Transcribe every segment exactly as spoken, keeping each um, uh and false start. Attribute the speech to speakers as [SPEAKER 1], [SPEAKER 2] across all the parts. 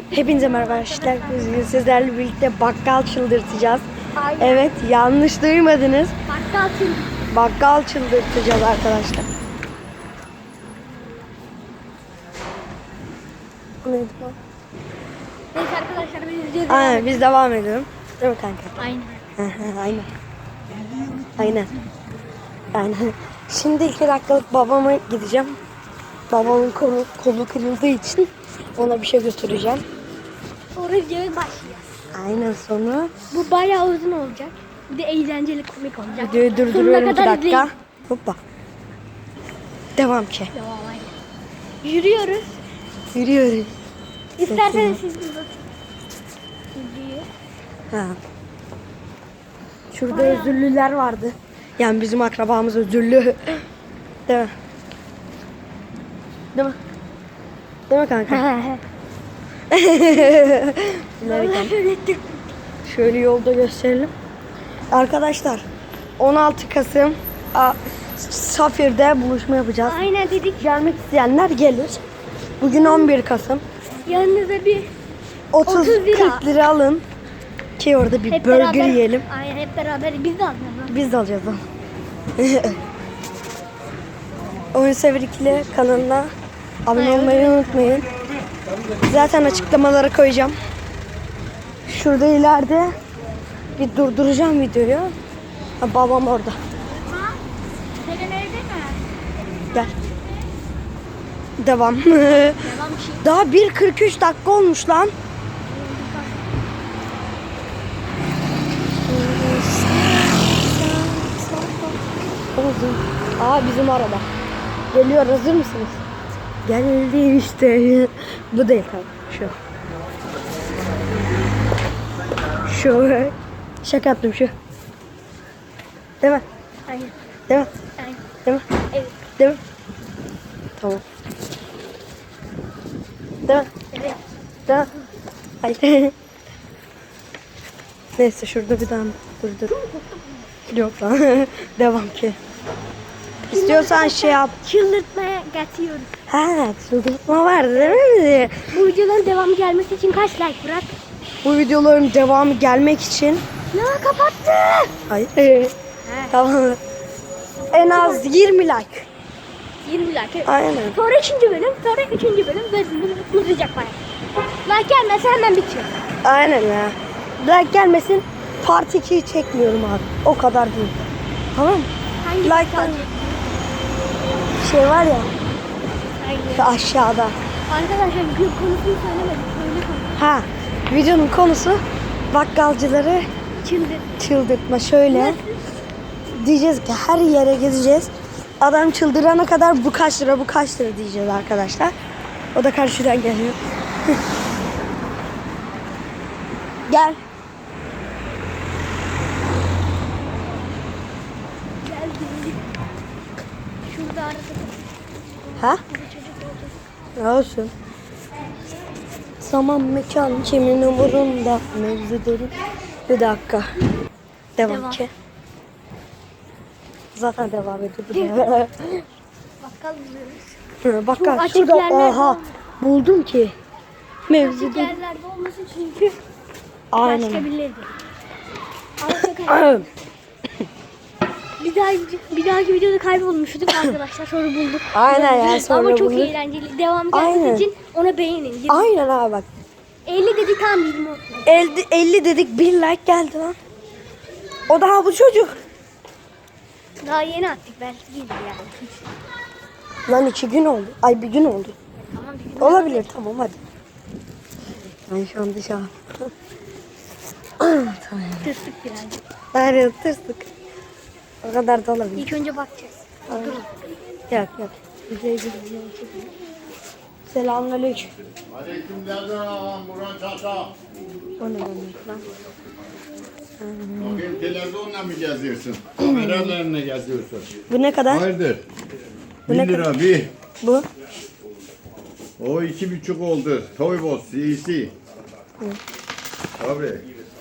[SPEAKER 1] Hepinize merhaba arkadaşlar. Bugün sizlerle birlikte bakkal çıldırtacağız.
[SPEAKER 2] Aynen.
[SPEAKER 1] Evet, yanlış duymadınız.
[SPEAKER 2] Bakkal çıldırtacağız.
[SPEAKER 1] Bakkal çıldırtacağız arkadaşlar. Neydi bu?
[SPEAKER 2] Neyse arkadaşlar biz videoya
[SPEAKER 1] Aynen, biz devam edelim. Değil mi kanka?
[SPEAKER 2] Aynen.
[SPEAKER 1] Aynen. Aynen. Aynen. Şimdi iki dakikalık babama gideceğim. Babamın kolu, kolu kırıldığı için ona bir şey götüreceğim.
[SPEAKER 2] Sonra videoya başlayacağız.
[SPEAKER 1] Aynen, sonra
[SPEAKER 2] Bu bayağı uzun olacak. Bir de eğlenceli, komik olacak.
[SPEAKER 1] videoyu durduruyorum iki
[SPEAKER 2] kadar
[SPEAKER 1] dakika.
[SPEAKER 2] izleyin.
[SPEAKER 1] Hoppa. Devam ki.
[SPEAKER 2] Devam aynen. Yürüyoruz.
[SPEAKER 1] Yürüyoruz.
[SPEAKER 2] İsterseniz siz uzatın. Yürüyor.
[SPEAKER 1] Ha. Şurada özürlüler vardı. Yani bizim akrabamız özürlü. Değil mi? Değil mi? Değil mi kanka? Şöyle yolda gösterelim. Arkadaşlar on altı Kasım a, Safir'de buluşma yapacağız.
[SPEAKER 2] Aynen dedik.
[SPEAKER 1] Gelmek isteyenler gelir. Bugün on bir Kasım.
[SPEAKER 2] Yanınıza bir
[SPEAKER 1] otuz
[SPEAKER 2] otuz lira.
[SPEAKER 1] kırk lira alın ki orada bir
[SPEAKER 2] hep
[SPEAKER 1] burger
[SPEAKER 2] beraber,
[SPEAKER 1] yiyelim.
[SPEAKER 2] Aynen hep beraber biz de alacağız.
[SPEAKER 1] Biz de alacağız onu. Oyun Sever ikili kanalına abone olmayı unutmayın. Zaten açıklamalara koyacağım. Şurada ileride bir durduracağım videoyu. Ha, babam orada.
[SPEAKER 2] Senin evde mi?
[SPEAKER 1] Gel. Devam.
[SPEAKER 2] Devam şey.
[SPEAKER 1] Daha bir kırk üç dakika olmuş lan. Aa, bizim araba. Geliyor, hazır mısınız? Geldi işte. Bu değil tabii. Şu. Şu. Şaka yaptım şu. Değil mi?
[SPEAKER 2] Aynen.
[SPEAKER 1] Değil mi?
[SPEAKER 2] Aynen.
[SPEAKER 1] Değil mi?
[SPEAKER 2] Evet.
[SPEAKER 1] Değil mi? Tamam. Değil mi?
[SPEAKER 2] Evet.
[SPEAKER 1] Değil mi? Hayır. Neyse, şurada bir daha dur dur. Yok lan. Devam ki. İstiyorsan şey yap.
[SPEAKER 2] Çıldırtmaya getiriyoruz.
[SPEAKER 1] Ha, çıldırtma vardı değil mi?
[SPEAKER 2] Bu videoların devamı gelmesi için kaç like bırak?
[SPEAKER 1] Bu videoların devamı gelmek için.
[SPEAKER 2] Ya kapattı.
[SPEAKER 1] Hayır. Tamam. En az yirmi like.
[SPEAKER 2] yirmi like.
[SPEAKER 1] Aynen.
[SPEAKER 2] Sonra ikinci bölüm, sonra üçüncü bölüm ve uzayacak bana. Like gelmezse hemen bitiyor.
[SPEAKER 1] Aynen ya. Like gelmesin, part ikiyi çekmiyorum abi. O kadar değil. Tamam mı?
[SPEAKER 2] Hangi
[SPEAKER 1] Like
[SPEAKER 2] kalacak?
[SPEAKER 1] şey var ya
[SPEAKER 2] Aynen.
[SPEAKER 1] şu aşağıda.
[SPEAKER 2] Arkadaşlar gün konusunu söylemedik. Böyle konu.
[SPEAKER 1] Ha, videonun konusu bakkalcıları
[SPEAKER 2] Çıldır.
[SPEAKER 1] çıldırtma. Şöyle
[SPEAKER 2] Nasıl?
[SPEAKER 1] diyeceğiz ki her yere gezeceğiz. Adam çıldırana kadar bu kaç lira bu kaç lira diyeceğiz arkadaşlar. O da karşıdan geliyor. Gel.
[SPEAKER 2] Geldi. Şurada arada
[SPEAKER 1] Ha?
[SPEAKER 2] bir çocuk oldu.
[SPEAKER 1] Olsun. Zaman mekan kimin umurunda mevzu derin. Bir dakika. Devam,
[SPEAKER 2] Devam.
[SPEAKER 1] ki. Zaten devam ediyor.
[SPEAKER 2] Bakkal buluyoruz.
[SPEAKER 1] Bak
[SPEAKER 2] Bu
[SPEAKER 1] bak
[SPEAKER 2] açık
[SPEAKER 1] şurada,
[SPEAKER 2] yerler
[SPEAKER 1] aha
[SPEAKER 2] var.
[SPEAKER 1] buldum ki. Mevzu
[SPEAKER 2] Açık
[SPEAKER 1] derin.
[SPEAKER 2] yerlerde olmasın çünkü başka
[SPEAKER 1] Aynen.
[SPEAKER 2] birileri. Arkadaşlar bir daha bir dahaki videoda kaybolmuştuk arkadaşlar, sonra bulduk.
[SPEAKER 1] Aynen ya, sonra
[SPEAKER 2] Ama çok
[SPEAKER 1] bulduk.
[SPEAKER 2] eğlenceli. Devam
[SPEAKER 1] Aynen.
[SPEAKER 2] gelmesi için ona beğenin. yirmi.
[SPEAKER 1] Aynen abi bak.
[SPEAKER 2] elli dedi, tam yirmi olsun.
[SPEAKER 1] elli, elli dedik, bir like geldi lan. O daha bu çocuk.
[SPEAKER 2] Daha yeni attık, belki gelir yani.
[SPEAKER 1] Lan iki gün oldu. Ay bir gün oldu.
[SPEAKER 2] Tamam, bir gün
[SPEAKER 1] Olabilir, tamam hadi. Ben şu an dışarı. Tamam.
[SPEAKER 2] tırstık birazcık.
[SPEAKER 1] Hayır, tırstık. O kadar da olabilir.
[SPEAKER 2] İlk önce bakacağız. Durun.
[SPEAKER 1] Yok yok. İzleyici Selamünaleyküm.
[SPEAKER 3] Aleykümselam Murat Çata.
[SPEAKER 1] O ne demek lan?
[SPEAKER 3] Bakayım televizyonla mı geziyorsun? Kameralarla geziyorsun.
[SPEAKER 1] Bu ne kadar?
[SPEAKER 3] Hayırdır?
[SPEAKER 1] Bu
[SPEAKER 3] Bir
[SPEAKER 1] ne
[SPEAKER 3] lira bir.
[SPEAKER 1] Bu?
[SPEAKER 3] O iki buçuk oldu. Toybos iyisi. Tabii.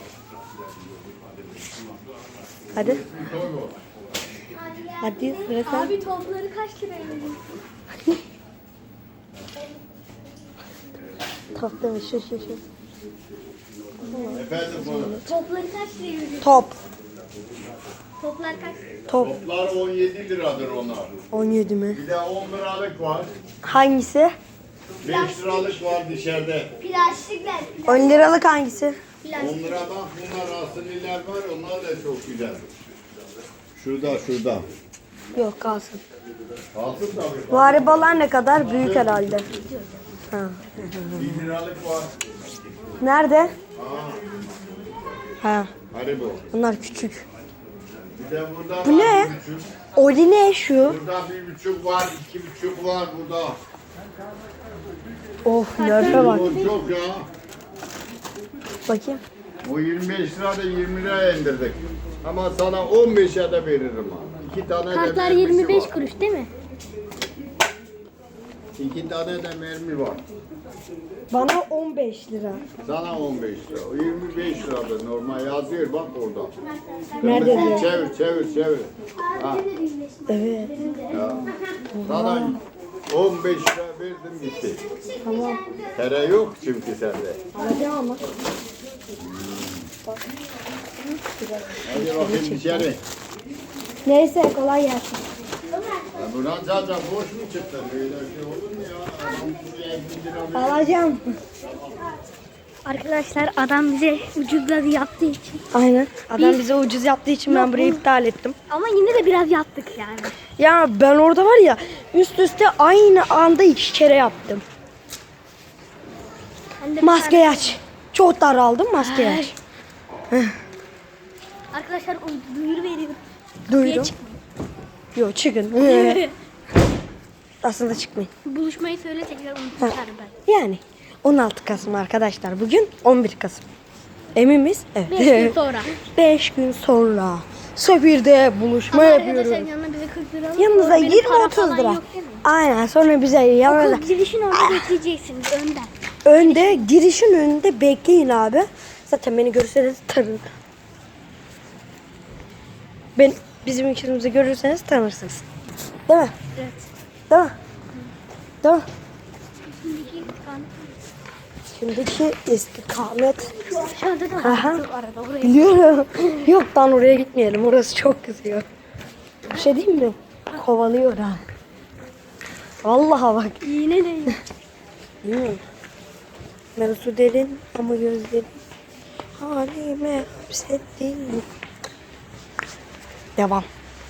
[SPEAKER 1] Hadi.
[SPEAKER 3] Toybos.
[SPEAKER 1] Hadi sıra sen.
[SPEAKER 2] Abi topları kaç liraya verdin?
[SPEAKER 1] Top değil mi? Şu şu şu.
[SPEAKER 3] Efendim bu
[SPEAKER 2] Topları kaç liraya veriyorsun?
[SPEAKER 1] Top.
[SPEAKER 2] Toplar kaç?
[SPEAKER 1] Top.
[SPEAKER 3] toplar on yedi liradır onlar.
[SPEAKER 1] on yedi mi?
[SPEAKER 3] Bir de on liralık var.
[SPEAKER 1] Hangisi?
[SPEAKER 3] beş liralık var dışarıda.
[SPEAKER 2] Plastikler.
[SPEAKER 1] on liralık hangisi?
[SPEAKER 3] on liradan bunlar asılliler var. Onlar da çok güzel. Şurada şurada.
[SPEAKER 1] Yok kalsın.
[SPEAKER 3] Kalsın tabii.
[SPEAKER 1] Bu arabalar ne kadar? Büyük herhalde. Ha.
[SPEAKER 3] bir liralık var.
[SPEAKER 1] Nerede? Ha.
[SPEAKER 3] Haribo.
[SPEAKER 1] Bunlar küçük.
[SPEAKER 3] Bir de burada
[SPEAKER 1] Bu
[SPEAKER 3] var
[SPEAKER 1] ne?
[SPEAKER 3] bir buçuk.
[SPEAKER 1] Oli ne şu?
[SPEAKER 3] Burada bir buçuk var, iki buçuk var burada.
[SPEAKER 1] Of nerede bak.
[SPEAKER 3] O çok ya.
[SPEAKER 1] Bakayım.
[SPEAKER 3] O yirmi beş lirada yirmi liraya indirdik. Ama sana on beşe de veririm ha. İki tane de
[SPEAKER 2] Kartlar
[SPEAKER 3] mermisi
[SPEAKER 2] yirmi beş
[SPEAKER 3] var.
[SPEAKER 2] kuruş değil mi?
[SPEAKER 3] İki tane de mermi var.
[SPEAKER 1] Bana on beş lira.
[SPEAKER 3] Sana on beş lira. O yirmi beş lirada normal yazıyor bak orada.
[SPEAKER 1] Nerede
[SPEAKER 3] Kırmızıyı
[SPEAKER 1] diyor?
[SPEAKER 3] Çevir çevir çevir. Ha,
[SPEAKER 1] Evet.
[SPEAKER 3] ya. Sana on beş lira verdim gitti.
[SPEAKER 1] Tamam.
[SPEAKER 3] Tere yok çünkü sende.
[SPEAKER 1] Alacağım ama.
[SPEAKER 3] Hadi bakayım içeri.
[SPEAKER 1] Neyse kolay gelsin.
[SPEAKER 3] Ya buradan zaten boş mu çıktı? Böyle şey olur mu ya? Adam buraya elli lira verdi.
[SPEAKER 1] Alacağım.
[SPEAKER 2] Arkadaşlar adam bize ucuzladı yaptığı için.
[SPEAKER 1] Aynen. Adam
[SPEAKER 2] Biz-
[SPEAKER 1] bize ucuz yaptığı için ben
[SPEAKER 2] Yok,
[SPEAKER 1] burayı
[SPEAKER 2] bu-
[SPEAKER 1] iptal ettim.
[SPEAKER 2] Ama yine de biraz yaptık yani.
[SPEAKER 1] Ya ben orada var ya üst üste aynı anda iki kere yaptım.
[SPEAKER 2] Ben de
[SPEAKER 1] Maskeyi aç. Çok daraldım maskeyi aç.
[SPEAKER 2] Arkadaşlar o duyuru veriyorum.
[SPEAKER 1] Duydum.
[SPEAKER 2] Çık-
[SPEAKER 1] Yok çıkın. Aslında çıkmayın.
[SPEAKER 2] Buluşmayı söyle tekrar unutmuşlar ben.
[SPEAKER 1] Yani on altı Kasım arkadaşlar. Bugün on bir Kasım. Emin miyiz? Evet.
[SPEAKER 2] Beş gün sonra.
[SPEAKER 1] beş gün sonra Sefir'de buluşma
[SPEAKER 2] Ama
[SPEAKER 1] yapıyoruz.
[SPEAKER 2] arkadaşlar yanına bize kırk lira alın.
[SPEAKER 1] Yanınıza
[SPEAKER 2] Benim
[SPEAKER 1] yirmi
[SPEAKER 2] para
[SPEAKER 1] otuz
[SPEAKER 2] falan
[SPEAKER 1] lira.
[SPEAKER 2] yok değil mi?
[SPEAKER 1] Aynen sonra bize yanına
[SPEAKER 2] Okul girişin orada bekleyeceksiniz önden.
[SPEAKER 1] önde girişin önünde bekleyin abi. Zaten beni görürseniz tanın. Ben bizim ikimizi görürseniz tanırsınız. Değil mi?
[SPEAKER 2] Evet.
[SPEAKER 1] Değil mi? Değil mi?
[SPEAKER 2] Şimdiki istikamet.
[SPEAKER 1] Şimdiki istikamet.
[SPEAKER 2] Aşağıda da
[SPEAKER 1] Aha.
[SPEAKER 2] var araba oraya.
[SPEAKER 1] Biliyorum. Yok lan oraya gitmeyelim. Orası çok kızıyor. Bir şey diyeyim mi? Kovalıyor ha. Vallahi bak.
[SPEAKER 2] Yine de yok.
[SPEAKER 1] Değil mi? Mevzu derin ama gözlerin halime hapsettin. Devam.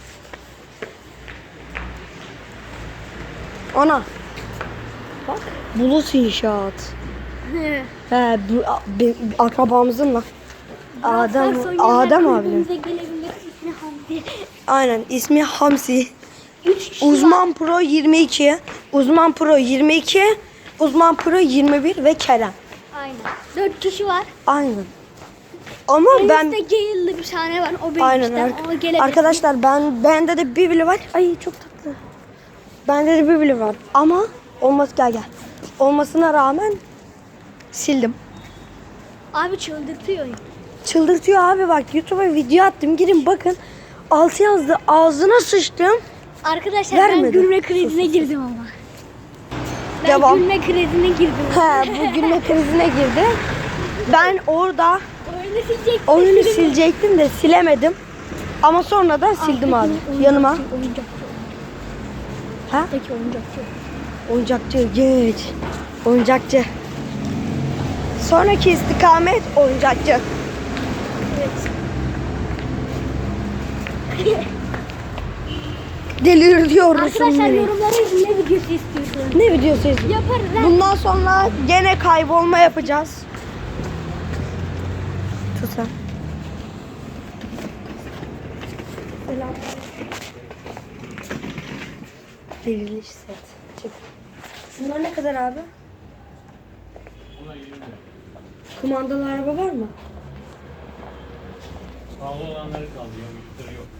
[SPEAKER 1] Ana. Bak. Bulut inşaat. He, bu a- be- akrabamızın lan. Adem, Adem abinin.
[SPEAKER 2] Bize gelebilir. İsmi Hamdi.
[SPEAKER 1] Aynen ismi Hamsi.
[SPEAKER 2] Üç kişi
[SPEAKER 1] Uzman Pro yirmi iki, Uzman Pro yirmi iki, Uzman Pro yirmi bir ve Kerem.
[SPEAKER 2] Aynen. Dört kişi var.
[SPEAKER 1] Aynen. Ama
[SPEAKER 2] Ben...
[SPEAKER 1] ben
[SPEAKER 2] Üstte Gale'lı bir tane var. O benim
[SPEAKER 1] aynen
[SPEAKER 2] işte.
[SPEAKER 1] ar-
[SPEAKER 2] O gelebilir.
[SPEAKER 1] arkadaşlar ben bende de bir bile var. Ay çok tatlı. Bende de bir bile var. Ama olması gel gel. Olmasına rağmen sildim.
[SPEAKER 2] Abi çıldırtıyor.
[SPEAKER 1] Çıldırtıyor abi bak YouTube'a video attım. Girin bakın. Altı yazdı. Ağzına sıçtım.
[SPEAKER 2] Arkadaşlar
[SPEAKER 1] Vermedi.
[SPEAKER 2] ben gülme krizine girdim ama. Ben
[SPEAKER 1] Devam.
[SPEAKER 2] gülme krizine girdim.
[SPEAKER 1] He, bu gülme krizine girdi. Ben orada
[SPEAKER 2] Oyunu silecektim.
[SPEAKER 1] oyunu silecektim de silemedim. Ama sonra da sildim abi. Yanıma.
[SPEAKER 2] Oyuncakçı.
[SPEAKER 1] Ha?
[SPEAKER 2] Peki oyuncakçı.
[SPEAKER 1] Oyuncakçı geç. Oyuncakçı. Sonraki istikamet oyuncakçı.
[SPEAKER 2] Evet.
[SPEAKER 1] Delir diyorsun
[SPEAKER 2] Arkadaşlar
[SPEAKER 1] beni.
[SPEAKER 2] yorumlara yazın ne videosu istiyorsunuz?
[SPEAKER 1] Ne videosu izliyorsun?
[SPEAKER 2] Yaparız ha.
[SPEAKER 1] Bundan sonra gene kaybolma yapacağız. Tut sen. Selam. Diriliş set. Çık. Şunlar ne kadar abi? Kumandalı araba var mı?
[SPEAKER 4] Pahalı olanları kalıyor, ucuzları yok.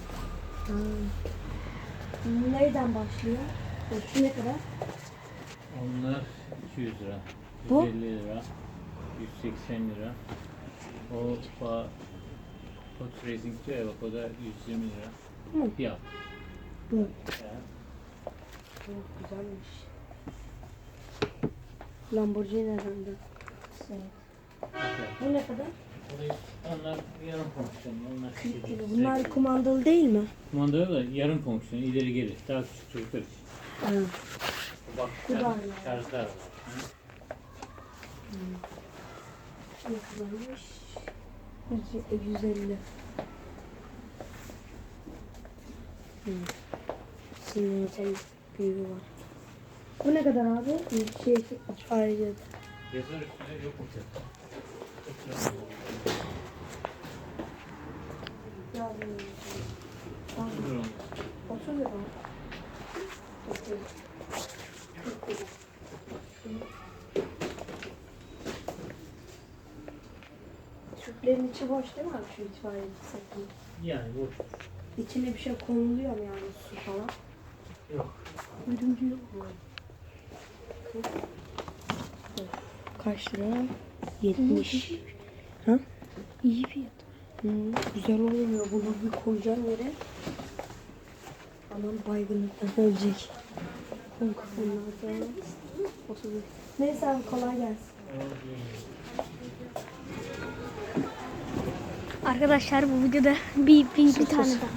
[SPEAKER 1] Nereden başlıyor? Şu ne kadar?
[SPEAKER 4] Onlar iki yüz lira,
[SPEAKER 1] Bu?
[SPEAKER 4] yüz elli lira, yüz seksen lira. O pa Hot Racing diyor ya bak o da yüz yirmi lira.
[SPEAKER 1] Hı.
[SPEAKER 4] Fiyat.
[SPEAKER 1] Bu.
[SPEAKER 4] Ya.
[SPEAKER 1] Çok güzelmiş. Lamborghini herhalde. Bu ne kadar?
[SPEAKER 4] Onlar yarım fonksiyonlu. Onlar küçük değil.
[SPEAKER 1] Bunlar kumandalı değil mi?
[SPEAKER 4] Kumanda da yarım fonksiyonlu. İleri geri. Daha küçük çocuklar için.
[SPEAKER 1] Evet.
[SPEAKER 4] Bak
[SPEAKER 1] Bu da
[SPEAKER 4] şarj-
[SPEAKER 1] aynı.
[SPEAKER 4] şarjlar var.
[SPEAKER 1] Ne kadarmış? yüz elli. Hı. Şimdi mesela büyüğü var. Bu ne kadar abi? Bir şey ayrıca.
[SPEAKER 4] Yazar üstüne yok mu fiyatı? otuz lira olmuş.
[SPEAKER 1] otuz lira. Tüplerin içi boş değil mi abi şu itfaiye setinin?
[SPEAKER 4] Yani boş.
[SPEAKER 1] İçine bir şey konuluyor mu yani su falan?
[SPEAKER 4] Yok.
[SPEAKER 1] Örümcü yok mu? Kaç lira? yetmiş. Ha?
[SPEAKER 2] İyi fiyat.
[SPEAKER 1] Hı, güzel olmuyor. Bunu bir koyacağım yere. Anam baygınlıktan ölecek. Bunlar da otuz. Neyse abi kolay gelsin.
[SPEAKER 2] Arkadaşlar bu videoda bir, bir, bir tane daha.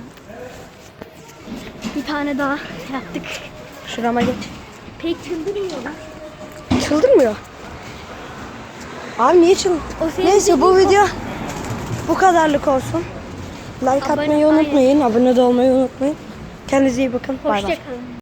[SPEAKER 2] Bir tane daha yaptık.
[SPEAKER 1] Şurama geç.
[SPEAKER 2] Pek çıldırmıyorlar.
[SPEAKER 1] Çıldırmıyor. Abi niye çıl?
[SPEAKER 2] O senin
[SPEAKER 1] Neyse bu
[SPEAKER 2] dediğin
[SPEAKER 1] video bu kadarlık olsun. Like
[SPEAKER 2] Abone-
[SPEAKER 1] atmayı unutmayın. Abone de olmayı unutmayın. Kendinize iyi bakın. Bay bay.
[SPEAKER 2] Hoşçakalın.